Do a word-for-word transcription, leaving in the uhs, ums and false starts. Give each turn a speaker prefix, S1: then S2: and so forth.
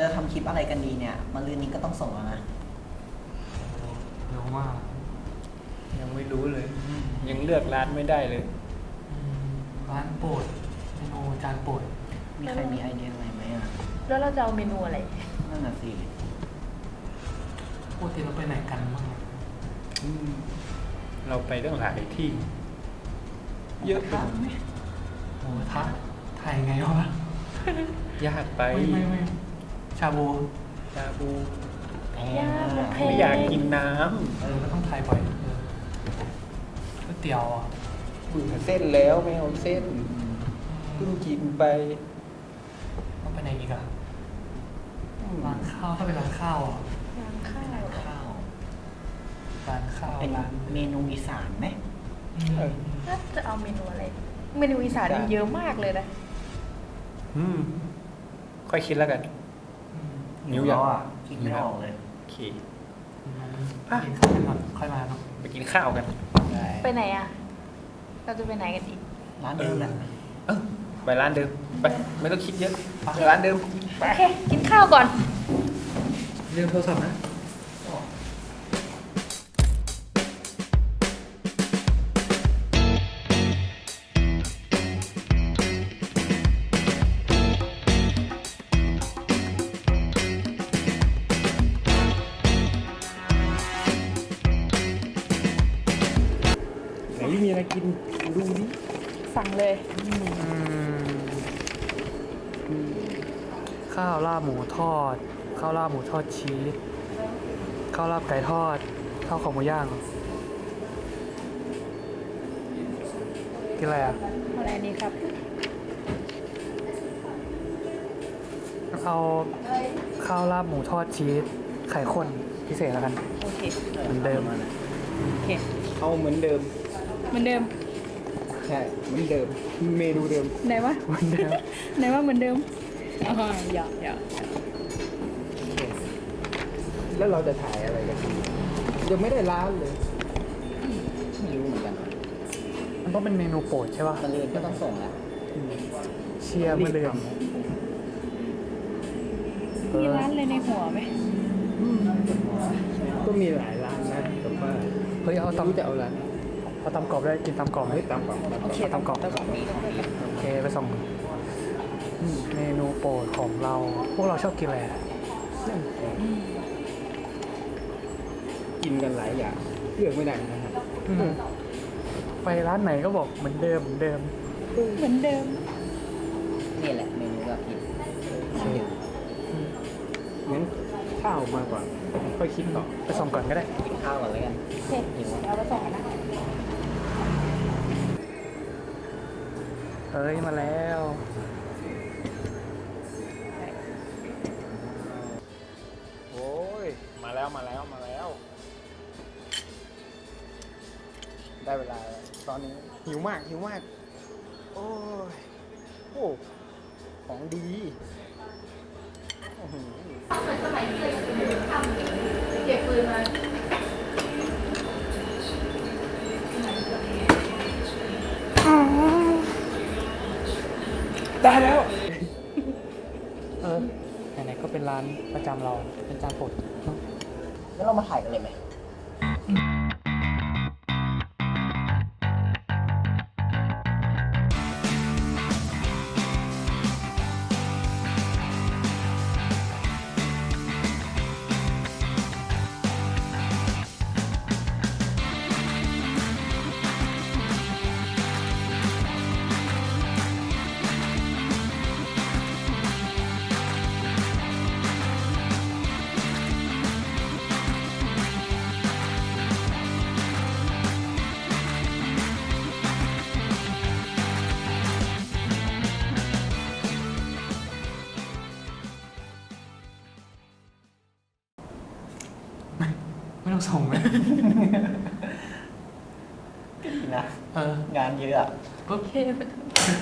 S1: จะทำคลิปอะไรกันดีเนี่ยมะรืนนี้ก็ต้องส่งแล้วนะ
S2: เร็วมาก
S3: ยังไม่รู้เลย ยังเลือกร้านไม่ได้เลย
S2: ร้านโปรดเมนูจานโปรด
S1: มีใครมีไอเดียอะไรไหมอ่ะ
S4: แล้วเราจะเอาเมนูอะไร
S1: นั่นน่ะสิ
S2: ปกติเราไปไหนกันบ้าง
S3: เราไปเรื่องหลายที่เยอะไปไหม
S2: หมูทะถ่ายไงวะ
S3: ยากไป
S2: ไม่ไม่ไม่ชาบู
S3: ชาบู
S4: ยากแพง
S3: ไม่อยากกินน้
S2: ำเออก็ต้องถ่ายบ่อยก๋วยเตี๋ยวอ่ะ
S3: เบื่อเส้นแล้วไม่เอาเส้นเพิ่งกินไป
S2: ต้องไปไหนอีกอะร้านข้าวถ้าเป็นร้านข้าวอ่ะ
S4: ร้านข้าว
S1: ข้าว
S2: ร้านข้าว
S1: เป็นเมนูอีสานไหม
S4: ถ้าจะเอาเมนูอะไรเมนูอีสานมีเยอะมากเลยนะ
S3: อืมค่อยคิดแล้วกัน
S1: นิ้วอยอ่ะคิดไม่ออกเลย
S3: โอเค
S2: ไปกินข้าวกันก่อนค่อยมาเนาะ
S3: ไปกินข้าวกัน
S4: ไปไหนอ่ะเราจะไปไหนกันดี
S1: ร้านเดิมแหละ
S3: เออไปร้านเดิมไปไม่ต้องคิดเยอะไปร้านเดิม
S4: โอเคกินข้าวก่อน
S2: เรื่องโทรศัพท์นะ
S3: ไหนมีอะไรกินดูดิ
S4: สั่งเลย
S2: ข้าวราบหมูทอดข้าวราบหมูทอดชีสข้าวราบไก่ทอดข้าวขาหมูย่างกินอะไรอ่ะ
S4: อะไรดีครับ
S2: เอาข้าวราบหมูทอดชีสไข่ข้นพิเศษแล้วกัน
S4: โอเค
S2: เหมือนเดิม
S4: โอเค
S3: เอาเหมือนเดิม
S4: เหมือนเดิม
S3: ใช่เหมือนเดิมเมนูเดิม
S4: ไหนวะ
S2: เหมือนเดิม
S4: ไหนว่าเหมือนเดิมอ๋อหยอกหยอก
S3: แล้วเราจะถ่ายอะไรกันยังไม่ได้ร้านเลย
S1: ไม่รู้เหมือนกัน
S2: มันต้องเป็นเมนูโปรดใช่ป่ะ
S1: มะรืนก็ต้องส่งแล้ว
S2: เชียร์มะรืน
S4: มีร้านอะไรในหัวไหม
S3: ก็มีหลายร้านนะแต่ว่า
S2: เฮ้ยเอาตำ
S3: จะเอาร้าน
S2: เอาตำกรอบได้กินตำกรอบไหม
S3: ตำกรอบ
S4: โอเค
S2: ตำกรอบโอเคไปส่งเมนูโปรดของเราพวกเราชอบกินอะไร
S3: กินกันหลายอย่างเลือกไม่ได้นะครับ
S2: ไปร้านไหนก็บอกเหมือนเดิมเหมือนเดิม
S4: เหมือนเดิม
S1: นี่แหละเมนูเรากิน
S3: งั้นข้าวมาก่อนค่อยคิดต่อ
S2: ไปส่งก่อนก็ได้
S1: กินข้าวก่อนเลยกัน
S4: โอเคเอาไปส่งนะ
S2: เอ้ยมาแล้ว
S3: โอ้ยมาแล้วมาแล้วมาแล้วได้เวลาตอนนี้หิวมากหิวมากโอ้ยโอ้ของดี
S4: สมัยเคยทำเก็บปืนมา
S3: ได้แล้ว
S2: เออไหนๆก็เป็นร้านประจำเราเป็นจานโปรด
S1: แล้วเรามาถ่ายกันเลยไหม
S2: ไม่ต้องส่งไหม
S1: นะ
S2: เออง
S1: านเยอะ
S4: โอเค